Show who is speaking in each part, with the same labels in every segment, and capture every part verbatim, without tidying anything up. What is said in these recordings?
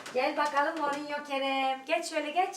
Speaker 1: Gel bakalım Mourinho Kerem. Geç şöyle geç.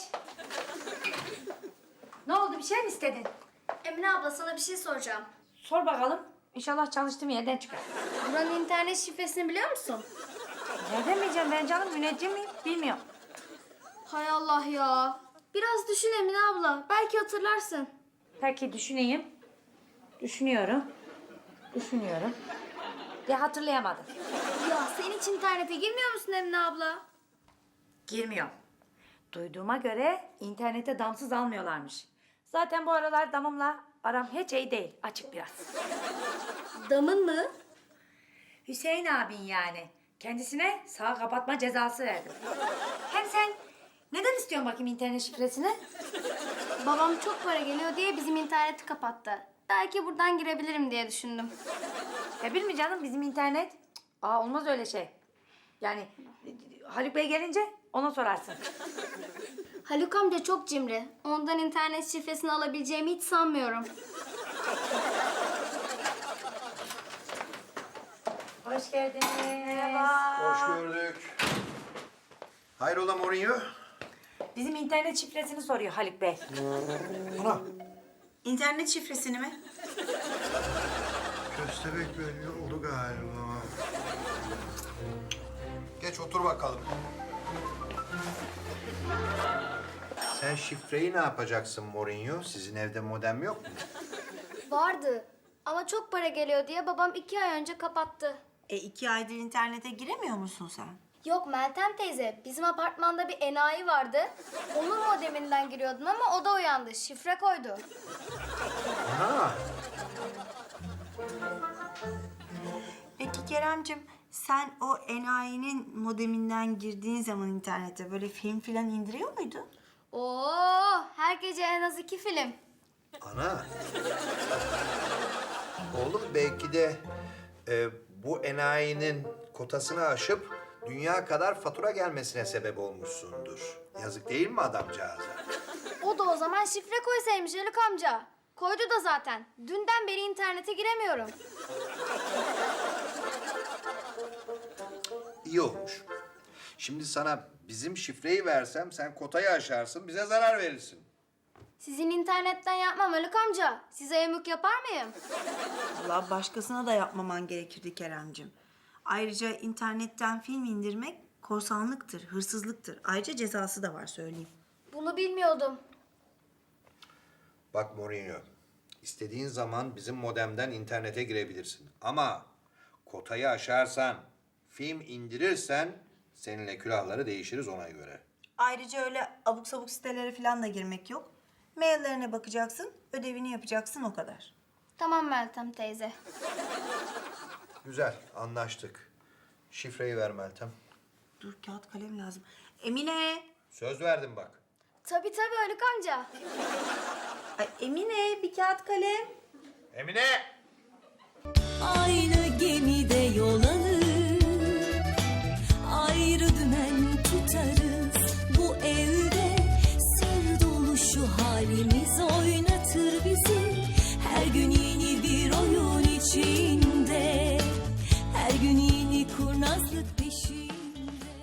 Speaker 1: Ne oldu, bir şey mi istedin?
Speaker 2: Emine abla sana bir şey soracağım.
Speaker 1: Sor bakalım. İnşallah çalıştığım yerden çıkar.
Speaker 2: Buranın internet şifresini biliyor musun?
Speaker 1: Nereden bileceğim ben canım? Müneccim miyim? Bilmiyorum.
Speaker 2: Hay Allah ya. Biraz düşün Emine abla. Belki hatırlarsın.
Speaker 1: Peki düşüneyim. Düşünüyorum. Düşünüyorum. De hatırlayamadım.
Speaker 2: Ya sen hiç internete girmiyor musun Emine abla?
Speaker 1: Girmiyorum. Duyduğuma göre internete damsız almıyorlarmış. Zaten bu aralar damımla aram hiç iyi değil. Açık biraz.
Speaker 2: Damın mı?
Speaker 1: Hüseyin abin yani. Kendisine sağ kapatma cezası verdim. Hem sen neden istiyorsun bakayım internet şifresini?
Speaker 2: Babam çok para geliyor diye bizim interneti kapattı. Belki buradan girebilirim diye düşündüm.
Speaker 1: Ya bilmi canım bizim internet. Cık, Aa olmaz öyle şey. Yani Haluk Bey gelince ona sorarsın.
Speaker 2: Haluk amca çok cimri. Ondan internet şifresini alabileceğimi hiç sanmıyorum.
Speaker 1: Hoş geldiniz. Merhaba.
Speaker 3: Hoş gördük. Hayrola Mourinho?
Speaker 1: Bizim internet şifresini soruyor Haluk Bey.
Speaker 3: Ana.
Speaker 4: İnternet şifresini mi?
Speaker 3: Köstebek belli oldu galiba. Geç otur bakalım. Sen şifreyi ne yapacaksın Mourinho? Sizin evde modem yok mu?
Speaker 2: Vardı. Ama çok para geliyor diye babam iki ay önce kapattı.
Speaker 4: E iki aydır internete giremiyor musun sen?
Speaker 2: Yok Meltem teyze, bizim apartmanda bir enayi vardı. Onun modeminden giriyordun ama o da uyandı. Şifre koydu.
Speaker 3: Ana.
Speaker 4: Peki Keremcim, sen o enayinin modeminden girdiğin zaman internete böyle film filan indiriyor muydun?
Speaker 2: Oo, her gece en az iki film.
Speaker 3: Ana. Oğlum belki de e, bu enayinin kotasını aşıp dünya kadar fatura gelmesine sebep olmuşsundur. Yazık değil mi adamcağıza?
Speaker 2: O da o zaman şifre koysaymış Haluk amca. Koydu da zaten. Dünden beri internete giremiyorum.
Speaker 3: İyi olmuş. Şimdi sana bizim şifreyi versem sen kotayı aşarsın, bize zarar verirsin.
Speaker 2: Sizin internetten yapmam Haluk amca. Size yamuk yapar mıyım?
Speaker 4: Vallahi başkasına da yapmaman gerekirdi Keremcim. Ayrıca internetten film indirmek korsanlıktır, hırsızlıktır. Ayrıca cezası da var söyleyeyim.
Speaker 2: Bunu bilmiyordum.
Speaker 3: Bak Mourinho, istediğin zaman bizim modemden internete girebilirsin. Ama kotayı aşarsan, film indirirsen seninle külahları değişiriz ona göre.
Speaker 4: Ayrıca öyle abuk sabuk sitelere falan da girmek yok. Maillerine bakacaksın, ödevini yapacaksın o kadar.
Speaker 2: Tamam Meltem teyze.
Speaker 3: Güzel, anlaştık. Şifreyi ver Meltem.
Speaker 4: Dur kağıt kalem lazım. Emine!
Speaker 3: Söz verdim bak.
Speaker 2: Tabii tabii Haluk amca.
Speaker 4: Ay Emine bir kağıt kalem.
Speaker 3: Emine!
Speaker 5: Aynı gemide yol alır, ayrı dümen tutarız.